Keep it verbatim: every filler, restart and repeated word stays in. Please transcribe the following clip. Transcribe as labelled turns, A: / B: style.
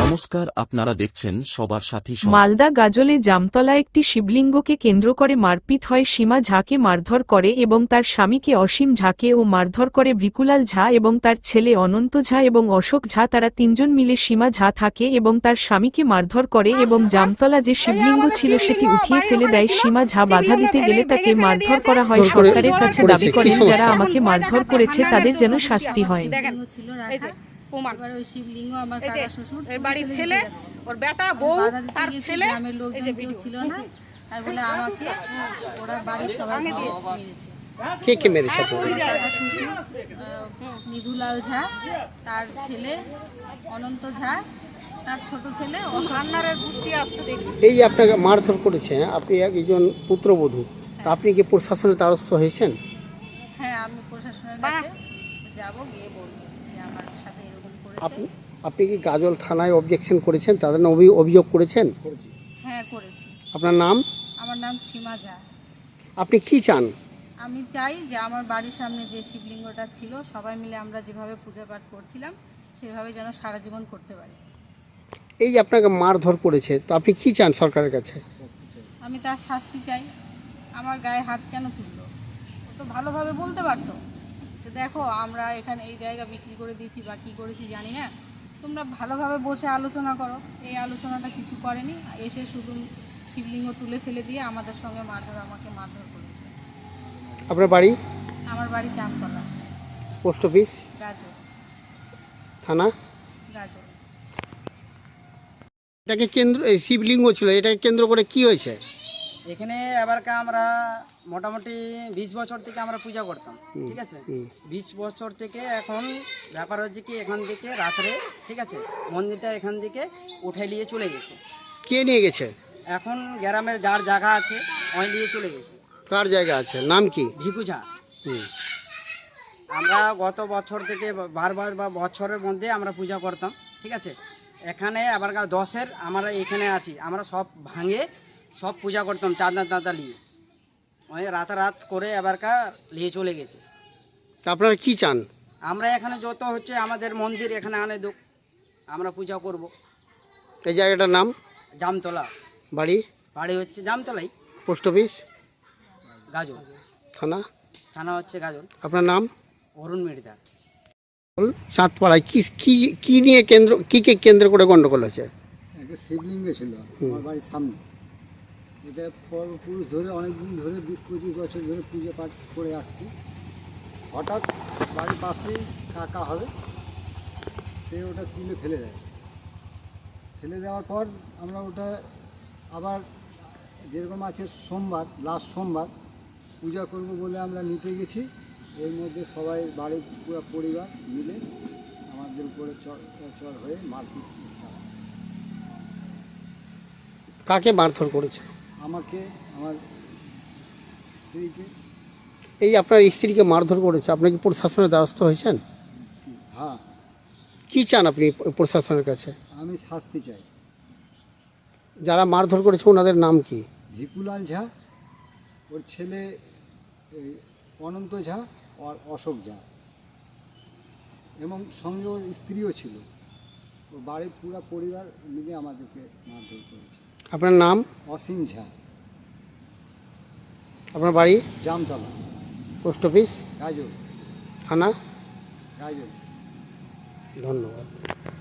A: নমস্কার, আপনারা দেখছেন সবার সাথী সংবাদ।
B: মালদা গাজলে জামতলা একটি শিবলিঙ্গকে কেন্দ্র করে মারপিট হয়। সীমা ঝাকে মারধর করে এবং তার স্বামীকে অসীম ঝাকে ও মারধর করে ভিকুলাল ঝা এবং তার ছেলে অনন্ত ঝা এবং অশোক ঝা। তারা তিনজন মিলে সীমা ঝা থাকে এবং তার স্বামীকে মারধর করে এবং জামতলা যে শিবলিঙ্গ ছিল সেটি উঠিয়ে ফেলে দেয়। সীমা ঝা বাধা দিতে গেলে তাকে মারধর করা হয়। সরকারের কাছে দাবি করেন যারা আমাকে মারধর করেছে তাদের যেন শাস্তি হয়।
C: এবার ওই শিবলিঙ্গ আমার কাকা শ্বশুর এর বাড়ির ছেলে ওর বেটা বউ তার ছেলে গ্রামের লোকজন কেউ ছিল না, তাই বলে আমাকে ওরা বাড়ির সবাই মেরেছে।
D: কে কে মেরেছে?
C: মৃদুলাল ঝা, তার ছেলে অনন্ত ঝা, তার ছোট ছেলে অসান্নারের গুষ্টি আসতে দেখি।
D: এই যে আপনাকে মারধর করেছে, আপনি একজন পুত্রবধূ, তা আপনি কি প্রশাসনের দ্বারস্থ হয়েছেন?
C: হ্যাঁ, আমি প্রশাসনের কাছে যাব, গিয়ে বলবো যে আমার সাথে এরকম করেছে।
D: আপনি কি গাজল থানায় অবজেকশন করেছেন, তাদের নামে অভিযোগ করেছেন?
C: হ্যাঁ, করেছি।
D: আপনার নাম?
C: আমার নাম সীমা ঝা।
D: আপনি কি চান?
C: আমি চাই যে আমার বাড়ির সামনে যে শিবলিঙ্গটা ছিল সবাই মিলে আমরা যেভাবে পূজা পাঠ করছিলাম সেভাবে যেন সারা জীবন করতে পারি।
D: এই যে আপনাকে মারধর করেছে, তো আপনি কি চান সরকারের কাছে?
C: আমি তার শাস্তি চাই। আমার গায়ে হাত কেন তুললো? ও তো ভালোভাবে বলতে পারতো যে দেখো আমরা এখানে এই জায়গা বিক্রি করে দিয়েছি বা কী করেছি জানি না, তোমরা ভালোভাবে বসে আলোচনা করো। এই আলোচনাটা কিছু করেনি, এসে শুধু শিবলিঙ্গ তুলে ফেলে দিয়ে আমাদের সঙ্গে মারধর আমাকে মারধর করেছে।
D: আপনার বাড়ি?
C: আমার বাড়ি জামতলা।
D: Post office?
C: গাজল
D: থানা?
C: গাজল।
D: এটাকে কেন্দ্র, এই শিবলিঙ্গ ছিল, এটাকে কেন্দ্র করে কি হয়েছে?
E: এখানে এবারকা আমরা মোটামুটি বিশ বছর থেকে আমরা পূজা করতাম, ঠিক আছে? বিশ বছর থেকে এখন ব্যাপার হচ্ছে কি এখান থেকে রাত্রে, ঠিক আছে, মন্দিরটা এখান থেকে উঠে নিয়ে চলে গেছে।
D: কে নিয়ে গেছে?
E: এখন গ্রামের যার জায়গা আছে ওই নিয়ে চলে গেছে।
D: কার জায়গা আছে, নাম কি?
E: ভিকুঝা।
D: হুম।
E: আমরা গত বছর থেকে বারবার বা বছরের মধ্যে আমরা পূজা করতাম, ঠিক আছে? এখানে এবারকার দশের আমরা এখানে আছি, আমরা সব ভাঙে সব পূজা করতাম চাঁদা চাঁদা নিয়ে, ওই রাতারাত করে এবারকার নিয়ে চলে গেছে।
D: তা আপনারা কি চান?
E: আমরা এখানে যত হচ্ছে আমাদের মন্দির এখানে আনে দোক, আমরা পূজা করব।
D: এই জায়গাটার নাম?
E: জামতলা।
D: বাড়ি?
E: বাড়ি হচ্ছে জামতলাই।
D: Post office?
E: গাজল।
D: থানা?
E: থানা হচ্ছে গাজল।
D: আপনার নাম?
E: অরুণ মির্জা।
D: চাঁদপাড়ায় কি কি কি নিয়ে কেন্দ্র, কি কে কেন্দ্র করে গন্ডগোল হয়েছে?
F: একটা শিবলিঙ্গ ছিল আমার বাড়ির সামনে। এটা পূর্বপুরুষ ধরে অনেক দিন ধরে বিশ পঁচিশ বছর ধরে পুজো পাঠ করে আসছি। হঠাৎ বাড়ির পাশেই কাকা হবে, সে ওটা তুলে ফেলে দেয়। ফেলে দেওয়ার পর আমরা ওটা আবার যেরকম আছে সোমবার, লাস্ট সোমবার পূজা করব বলে আমরা নিতে গেছি। এর মধ্যে সবাই বাড়ির পুরো পরিবার মিলে আমাদের উপরে চড় চড় হয়ে মারপিট স্টার্ট।
D: কাকে মারধর করেছে?
F: আমাকে, আমার স্ত্রীকে।
D: এই আপনার স্ত্রীকে মারধর করেছে, আপনি কি প্রশাসনের দ্বারস্থ হয়েছেন?
F: হ্যাঁ।
D: কি চান আপনি প্রশাসনের কাছে?
F: আমি শাস্তি চাই।
D: যারা মারধর করেছে ওনাদের নাম কি?
F: ভিকুলাল ঝা, ওর ছেলে এই অনন্ত ঝা আর অশোক ঝা, এবং সঙ্গে ওর স্ত্রীও ছিল। ও বাড়ির পুরো পরিবার মিলে আমাদেরকে মারধর করেছে।
D: আপনার নাম?
F: অসীম ঝা।
D: আপনার বাড়ি?
F: জামতলা।
D: Post office?
F: গাজল।
D: থানা?
F: গাজল।
D: ধন্যবাদ।